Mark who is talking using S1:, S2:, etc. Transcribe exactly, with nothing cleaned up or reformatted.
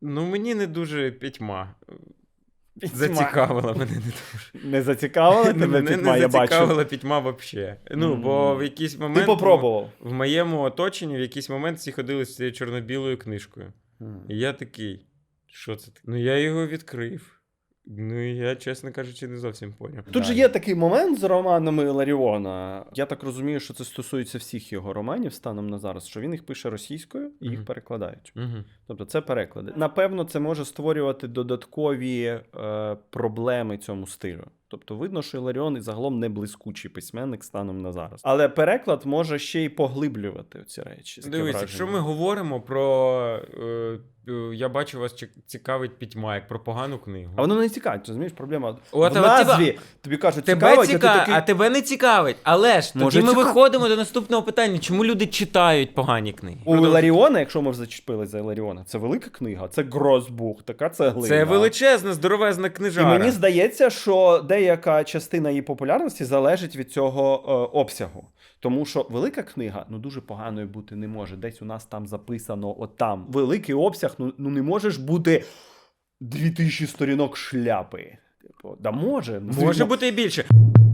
S1: Ну, мені не дуже пітьма.
S2: Пітьма.
S1: Зацікавила мене не дуже.
S2: Не зацікавила тебе
S1: Мене
S2: пітьма,
S1: не
S2: я бачу.
S1: зацікавила пітьма взагалі. Ну,
S2: Мгм.
S1: бо в якийсь момент...
S2: Ти попробував?
S1: В моєму оточенні в якийсь момент всі ходили з цією чорно-білою книжкою.
S2: Мгм.
S1: І я такий, що це таке? Ну, я його відкрив. Ну, і я, чесно кажучи, не зовсім поняв.
S2: Тут же є такий момент з романами Іларіона. Я так розумію, що це стосується всіх його романів станом на зараз, що він їх пише російською і їх
S1: Мгм.
S2: перекладають.
S1: Угу.
S2: Тобто це переклади. Напевно, це може створювати додаткові е, проблеми цьому стилю. Тобто видно, що Іларіон і загалом не блискучий письменник станом на зараз. Але переклад може ще й поглиблювати ці речі. Таке
S1: Дивись,
S2: враження.
S1: якщо ми говоримо про... Е, е, я бачу, вас чек- цікавить пітьма, як про погану книгу.
S2: А воно не цікавить, розумієш, проблема.
S1: От,
S2: в
S1: а от
S2: назві
S1: тебе-
S2: тобі кажуть,
S1: Тебе
S2: цікавить,
S1: цікавить,
S2: а ти такий...
S1: а тебе не цікавить. Але ж
S2: Може,
S1: тоді ми
S2: цікав-
S1: виходимо до наступного питання. Чому люди читають погані книги?
S2: У Іларіона, якщо ми вже зачепили за Іларіона, це велика книга, це Грозбух, така цеглина.
S1: Це величезна, здоровезна
S2: І
S1: книжара.
S2: мені здається, що деяка частина її популярності залежить від цього е, обсягу. Тому що велика книга ну дуже поганою бути не може. Десь у нас там записано от там. Великий обсяг, ну, ну не можеш бути дві тисячі сторінок шляпи. Типу, да може. ну,
S1: Може
S2: звісно,
S1: бути і більше.